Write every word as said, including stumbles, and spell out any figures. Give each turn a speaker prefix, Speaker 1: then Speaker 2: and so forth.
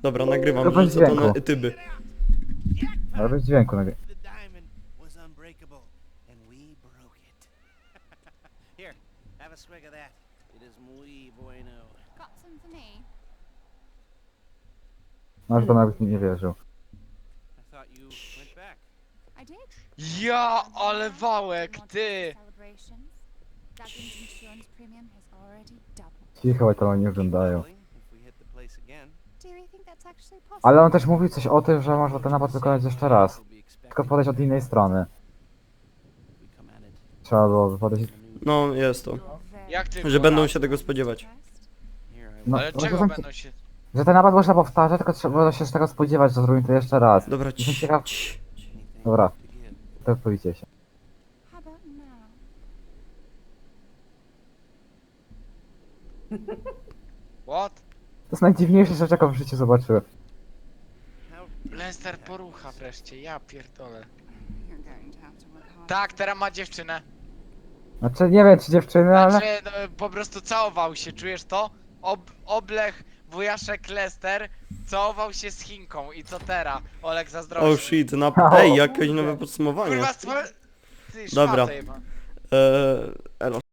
Speaker 1: Dobra, nagrywam,
Speaker 2: To bez
Speaker 1: rzucę to
Speaker 2: dźwięku.
Speaker 1: na tyby.
Speaker 2: Ale bez dźwięku nagry...
Speaker 3: The diamond was unbreakable, and we broke it. Here, have a swig of that. It is muy bueno.
Speaker 4: Got some for me?
Speaker 2: Masz to nawet mi nie wierzył.
Speaker 3: I thought you went back.
Speaker 4: I did.
Speaker 5: Ja, ale wałek,
Speaker 4: Want
Speaker 5: ty!
Speaker 4: celebrations? Dugan's insurance premium has already doubled.
Speaker 2: Cicho, to oni oglądają.
Speaker 3: Going, if we hit the place again,
Speaker 4: Do you think that's actually possible?
Speaker 2: Ale on też mówił coś o tym, że można ten napad wykonać jeszcze raz.
Speaker 3: we'll be expecting
Speaker 2: Tylko podejść od innej strony.
Speaker 3: if we come at it.
Speaker 2: Trzeba było podejść...
Speaker 1: No, jest to.
Speaker 4: You're very
Speaker 5: Jak ty
Speaker 1: Że będą
Speaker 5: kurwa?
Speaker 1: się tego spodziewać.
Speaker 4: impressed.
Speaker 3: Here I
Speaker 2: No,
Speaker 5: Ale
Speaker 2: to
Speaker 5: czego
Speaker 2: znaczy-
Speaker 5: będą się...
Speaker 2: Że ten napad można powtarzać, tylko trzeba się z tego spodziewać, że zrobimy to jeszcze raz.
Speaker 1: Dobra,
Speaker 2: Jestem
Speaker 1: ci,
Speaker 2: ciekaw...
Speaker 1: ci.
Speaker 3: anything
Speaker 2: Dobra.
Speaker 3: to give.
Speaker 2: To powiecie się.
Speaker 4: How about now?
Speaker 5: What?
Speaker 2: To jest najdziwniejsze rzecz, jaką w życiu zobaczyłem.
Speaker 3: How
Speaker 5: Lester porucha wreszcie, ja pierdolę.
Speaker 4: You're going to have to work hard.
Speaker 5: Tak, teraz ma dziewczynę.
Speaker 2: Znaczy, nie wiem czy dziewczyny, ale...
Speaker 5: Znaczy, no, po prostu całował się, czujesz to? Ob Oblech, wujaszek Lester całował się z Chinką i co teraz? Olek zazdrości.
Speaker 1: Oh shit, na... Ej, jakieś nowe podsumowanie.
Speaker 5: Kurwa, stwo... Ty,
Speaker 1: Dobra.
Speaker 5: szmato jeba.
Speaker 1: Eee, elo.